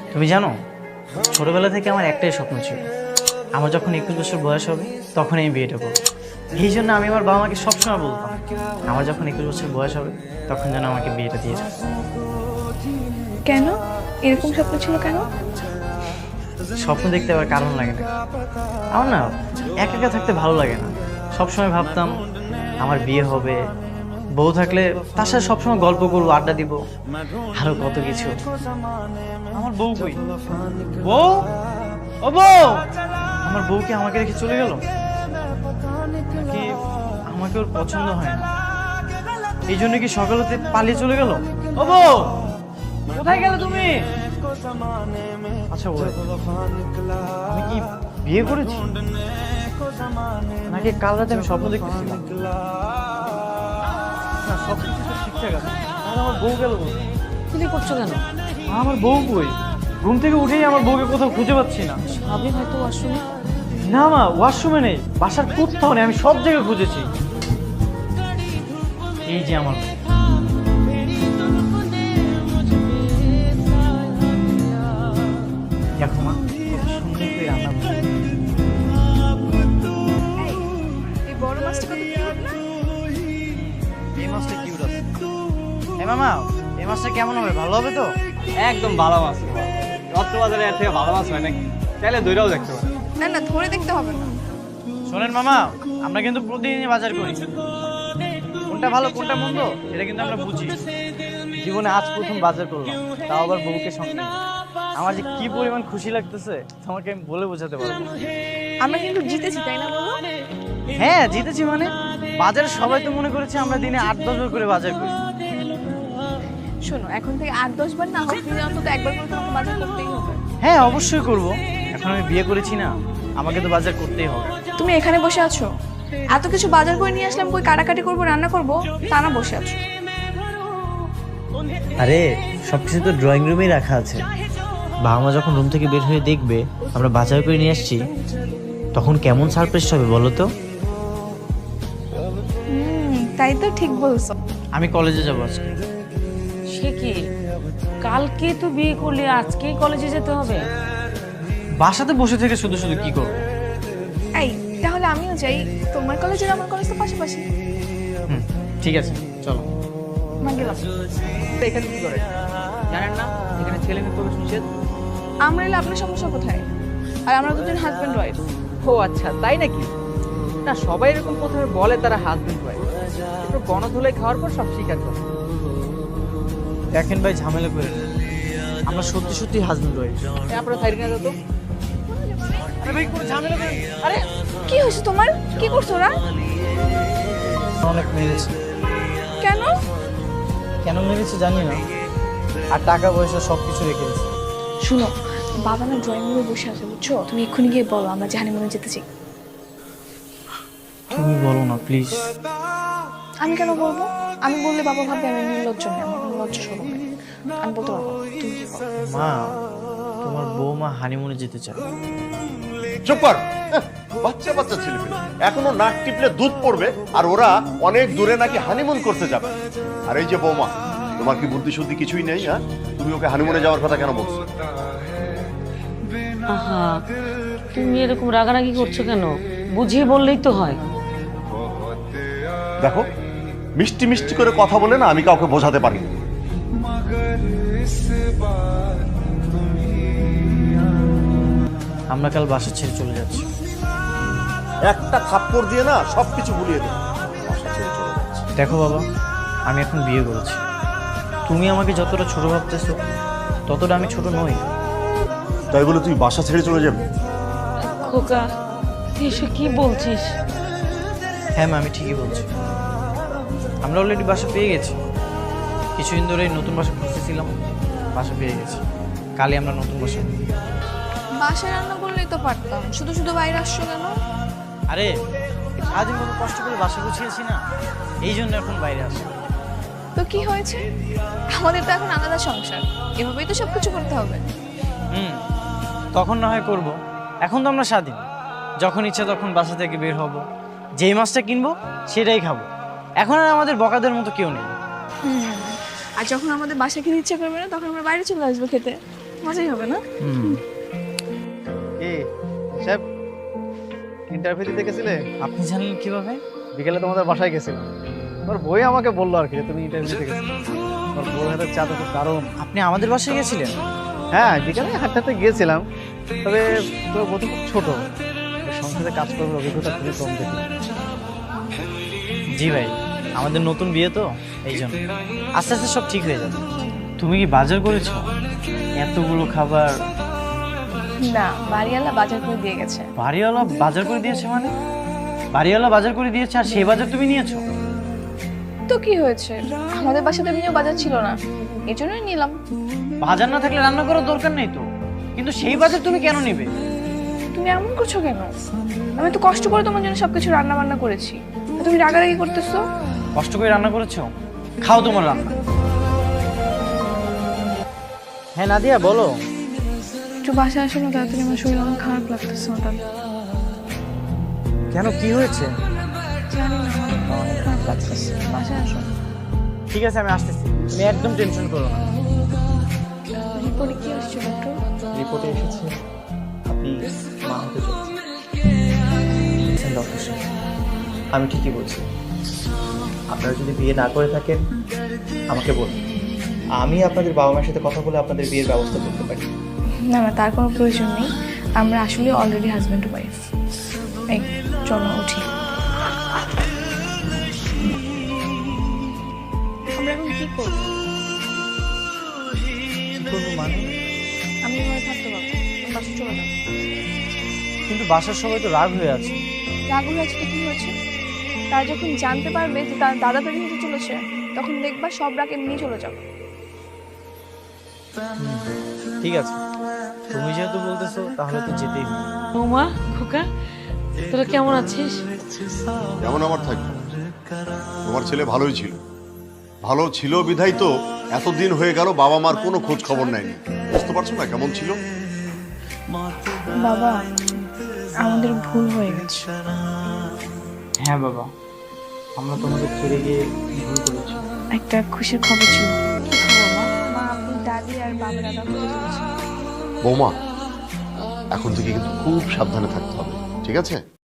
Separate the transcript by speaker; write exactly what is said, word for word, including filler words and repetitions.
Speaker 1: তুমি জানো, ছোটবেলা থেকে আমার একটাই স্বপ্ন ছিল, আমার যখন একুশ বছর বয়স হবে তখন আমি বিয়েটা করবো। এই জন্য আমি আমার বাবা মাকে সবসময় বলতাম আমার যখন একুশ বছর বয়স হবে তখন যেন আমাকে বিয়েটা দিয়ে যায়।
Speaker 2: কেন এরকম স্বপ্ন ছিল কেন?
Speaker 1: স্বপ্ন দেখতে আবার কারণ লাগে না। আমার না একা একা থাকতে ভালো লাগে না। সবসময় ভাবতাম আমার বিয়ে হবে, বউ থাকলে তার সাথে সবসময় গল্প করবো, আড্ডা দিব, আরো কত কিছু। আমার বউ কই? বউ, ও বউ, আমার বউ কি আমাকে রেখে চলে গেল? কি আমাকে ওর পছন্দ হয় না, এই জন্য কি সকাল হতে পালিয়ে চলে গেল? ও বউ, কোথায় গেলে তুমি? আচ্ছা ওই আমি কি বিয়ে করেছি নাকি কাল রাতে আমি স্বপ্ন দেখতেছিলাম? না, সব কিছু তো ঠিকঠাক আছে। আর আমার বউ গেল কোথায়?
Speaker 3: তুমি করছো কেন?
Speaker 1: আমার বউ কই? ঘুম থেকে উঠেই আমার বউকে কোথাও খুঁজে পাচ্ছি না।
Speaker 3: ভাবি হয়তো ওয়াশরুমে।
Speaker 1: না মা, ওয়াশরুমে নেই, বাসার কোথাও নেই, আমি সব জায়গায় খুঁজেছি। এই যে আমার দেখো মা, কত সুন্দর করে রান্না করছে।
Speaker 2: এই বড় মাছটা কত কিউট না?
Speaker 1: এই মাছটা কিউট আছে। এ মামা, এই মাছটা কেমন হবে? ভালো হবে তো?
Speaker 4: একদম ভালো মাছ। রত্নবাজারে এর থেকে ভালো মাছ হয় নাকি? চাইলে দইটাও দেখতে পারেন।
Speaker 2: না না, ধরে দেখতে হবে না।
Speaker 1: শোনেন মামা, আমরা কিন্তু প্রতিদিনই বাজার করি, কোনটা ভালো কোনটা মন্দ এটা কিন্তু আমরা বুঝি। জীবনে আজ প্রথম বাজার করলাম, তাও আবার বউকে সঙ্গে নিয়ে। আমার যে কি পরিমাণ খুশি লাগতেছে তোমাকে আমি বলে বোঝাতে পারবো না।
Speaker 2: আমরা কিন্তু জিতেছি, তাই না বলো?
Speaker 1: হ্যাঁ জিতেছি মানে, বাজারে সবাই তো মনে করেছে আমরা দিনে আট দশ বার করে বাজার করি।
Speaker 2: শোনো, এখন থেকে আট দশ বার না হোক, দিনে অন্তত একবার করে তোমাকে বাজার করতেই হবে।
Speaker 1: হ্যাঁ অবশ্যই করব, এখন আমি বিয়ে করেছি না, আমাকে তো বাজার করতেই হবে।
Speaker 2: তুমি এখানে বসে আছো, এত কিছু বাজার করে নিয়ে আসলাম, কই কাটাকাটি করবো রান্না করবো, তা না বসে আছো।
Speaker 1: আরে সবকিছু তো ড্রয়িং রুমেই রাখা আছে, বাবা মা যখন রুম থেকে বের হয়ে দেখবে আমরা বাজার করে নিয়ে আসছি তখন কেমন সারপ্রাইজ হবে বলো তো?
Speaker 2: হুম, তাই তো, ঠিক বলছো।
Speaker 1: আমি কলেজে যাবো আজকে।
Speaker 3: সে কি, কালকে তো বিয়ে করলে আজকেই কলেজে যেতে হবে?
Speaker 1: বাসাতে বসে থেকে শুধু শুধু কি করবো?
Speaker 2: এই তাহলে আমিও যাই, তোমার কলেজ আর আমার কলেজ তো পাশাপাশি।
Speaker 1: হুম ঠিক আছে, চলো।
Speaker 2: আমার গেলাম।
Speaker 4: এখানে কি করে জানেন না? এখানে ছেলে মেয়ে প্রবেশ নিষেধ।
Speaker 2: আমরা এলে আপনার সমস্যা কোথায়? আর আমরা দুজন হাজব্যান্ড ওয়াইফ।
Speaker 4: ও আচ্ছা, তাই নাকি? না, সবাই এরকম প্রথমে বলে তারা হাজবেন্ড ওয়াইফ, একটু গণধুলাই খাওয়ার পর সব স্বীকার করে।
Speaker 1: দেখেন ভাই, ঝামেলা করে না। আমরা সত্যি সত্যি হাজবেন্ড ওয়াইফ।
Speaker 4: এই আপনারা সাইড নিয়ে যেত।
Speaker 1: আরে ভাই কোনো ঝামেলা করেন।
Speaker 2: আরে কি হয়েছে তোমার? কি করছো ওরা?
Speaker 1: অনেক মেরেছে।
Speaker 2: কেন?
Speaker 1: কেন মেরেছে জানি না, আর টাকা পয়সা সব কিছু রেখে দিয়েছে।
Speaker 2: শুনো, বাবা না ড্রয়িং রুমে বসে আছে, বুঝছো? তুমি এক্ষুনি গিয়ে বলো আমরা যে হানিমুনে যেতে চাই।
Speaker 1: তুমি বলো না প্লিজ।
Speaker 2: আমি কেন বলবো? আমি বললে বাবা ভাববে আমি নির্লজ্জ নই, আমার কোনো লজ্জা শরম নেই। আমি বলতে পারবো না। তুমি কি বলো?
Speaker 1: মা, তোমার বৌমা হানিমুনে যেতে চায়।
Speaker 5: চুপ কর। এহ, বাচ্চা বাচ্চা ছেলে পেলে এখনো নাক টিপলে দুধ পড়বে, আর ওরা অনেক দূরে নাকি হানিমুন করতে যাবে। আর এই যে বৌমা, তোমার কি বুদ্ধি শুদ্ধি কিছুই নেই? হ্যাঁ, তুমি ওকে হানিমুনে যাওয়ার কথা কেন বলছো?
Speaker 3: আহা, তুমি এরকম রাগারাগি করছো কেন? বুঝিয়ে বললেই তো হয়।
Speaker 5: দেখো, মিষ্টি মিষ্টি করে কথা বলে না আমি কাউকে বোঝাতে পারি না।
Speaker 1: আমরা কাল বাসা ছেড়ে চলে যাচ্ছি।
Speaker 5: একটা থাপ্পড় দিয়ে না সবকিছু ভুলিয়ে দেবে। বাসা ছেড়ে চলে যাচ্ছে।
Speaker 1: দেখো বাবা, আমি এখন বিয়ে করেছি, তুমি আমাকে যতটা ছোট ভাবতেছো ততটা আমি ছোট নই।
Speaker 5: তাই বলে তুই বাসা ছেড়ে চলে যাবে?
Speaker 3: খোকা, তুই এসব কি বলছিস?
Speaker 1: হ্যাঁ মা, আমি ঠিকই বলছি। আমরা অলরেডি বাসা পেয়ে গেছি, কিছুদিন ধরে নতুন বাসা খুঁজতেছিলাম, বাসা পেয়ে গেছি। কালই আমরা নতুন বাসা।
Speaker 2: বাসায় রান্না করলেই তো পারতাম, শুধু শুধু বাইরে আসছো কেন?
Speaker 1: আরে সারাদিন কত কষ্ট করে বাসা গুছিয়েছি না, এই জন্য এখন বাইরে আসি।
Speaker 2: তো কি হয়েছে? আমাদের তো এখন আলাদা সংসার, এভাবেই তো সবকিছু করতে হবে।
Speaker 1: হুম, তখন না হয় করবো, এখন তো আমরা স্বাধীন, যখন ইচ্ছা তখন বাসা থেকে বের হব, যেই মাছটা কিনবো সেটাই খাবো। এখন আর আমাদের বকাদের মতো কেউ নেই।
Speaker 2: হুম, আর যখন আমাদের বাসা খেতে ইচ্ছা করবে না তখন আমরা বাইরে চলে আসবো খেতে। মজাই হবে না?
Speaker 1: হুম।
Speaker 6: কি সাহেব ইন্টারভিউ দিতে গেছিলে?
Speaker 1: আপনি জানলেন কিভাবে?
Speaker 6: বিকেলে তোমাদের বাসায় গেছিলাম, তোমার বই আমাকে বললো আর কি যে তুমি ইন্টারভিউ দিতে গেছিলে। তোমার বউর হাতের চা তো খুব দারুণ।
Speaker 1: আপনি আমাদের বাসায় গেছিলেন?
Speaker 6: হ্যাঁ বিকেলে হাঁটতে গিয়েছিলাম, তবে তোর বউ তো খুব ছোট, ওর সংসারে কাজ করার অভিজ্ঞতা খুবই কম দেখি।
Speaker 1: জি ভাই, আমাদের নতুন বিয়ে তো এই জন্য আস্তে আস্তে সব ঠিক হয়ে যাবে। তুমি কি বাজার করেছো? এতগুলো খাবার
Speaker 2: না, বাড়িওয়ালা বাজার করে দিয়ে গেছে।
Speaker 1: বাড়িওয়ালা বাজার করে দিয়েছে মানে? বাড়িওয়ালা বাজার করে দিয়েছে আর সেই বাজার তুমি নিয়েছো?
Speaker 2: তো কি হয়েছে, আমাদের বাসাতে এমনিও বাজার ছিল না, এই জন্যই নিলাম।
Speaker 1: বাজার না থাকলে রান্না করার দরকার নেই তো, কিন্তু সেই বাজার তুমি কেন নেবে?
Speaker 2: তুমি এমন করছো কেন? আমি তো কষ্ট করে তোমার জন্য সবকিছু রান্না বান্না করেছি, আর তুমি রাগারাগি করতেছো।
Speaker 1: কষ্ট করে রান্না করেছো, খাও তোমার রান্না। হ্যাঁ নাদিয়া বলো।
Speaker 2: একটু বাসায় আসো না তাড়াতাড়ি, আমার শরীর অনেক খারাপ লাগতেছে হঠাৎ।
Speaker 1: কেন, কি হয়েছে?
Speaker 2: জানি না, আমার অনেক খারাপ লাগতেছে, বাসায় আসো।
Speaker 1: ঠিক আছে আমি আসতেছি, তুমি একদম টেনশন করো না।
Speaker 2: রিপোর্টে কি আসছে ডক্টর?
Speaker 6: রিপোর্টে এসেছে আপনি মা হতে চলছেন। ডক্টর সাহেব, আমি ঠিকই বলছি, আপনারা যদি বিয়ে না করে থাকেন আমাকে বলুন, আমি আপনাদের বাবা মায়ের সাথে কথা বলে আপনাদের বিয়ের ব্যবস্থা করতে পারি।
Speaker 2: না না, তার কোনো প্রয়োজন নেই, আমরা আসলে অলরেডি হাজব্যান্ড ওয়াইফ। এই চলো উঠি। আমরা এখন কি করবো?
Speaker 1: কি করবো মানে?
Speaker 2: আমি এভাবে থাকতে পারবো না, বাসা চলে যাবো।
Speaker 1: কিন্তু বাসার সবাই তো রাগ হয়ে আছে।
Speaker 2: রাগুল আছে তো কি হয়েছে? তারা যখন জানতে পারবে যে তার দাদা দাদি হতে চলেছে, তখন দেখবা সব রাগ এমনি চলে যাবে।
Speaker 1: ঠিক আছে, তুমি যেহেতু বলতেছো তাহলে তো যেতেই হবে।
Speaker 3: বৌমা, খোকা, তোরা কেমন আছিস?
Speaker 5: যেমন আমার থাকবে, তোমার ছেলে ভালোই ছিল, ভালো ছিল বিধাই তো এতদিন হয়ে গেল বাবা মার কোনো খোঁজ খবর নেয়নি। বুঝতে পারছো না কেমন ছিল?
Speaker 2: বাবা, আমাদের ভুল হয়ে গেছে।
Speaker 1: হ্যাঁ বাবা, আমরা তোমাদের ছেড়ে গিয়ে ভুল করেছি।
Speaker 2: একটা খুশির খবর ছিল। কি খবর মা? মা, আপনি দাদি আর বাবা দাদা হতে চলেছে।
Speaker 5: বৌমা, এখন থেকে কিন্তু খুব সাবধানে থাকতে হবে, ঠিক আছে?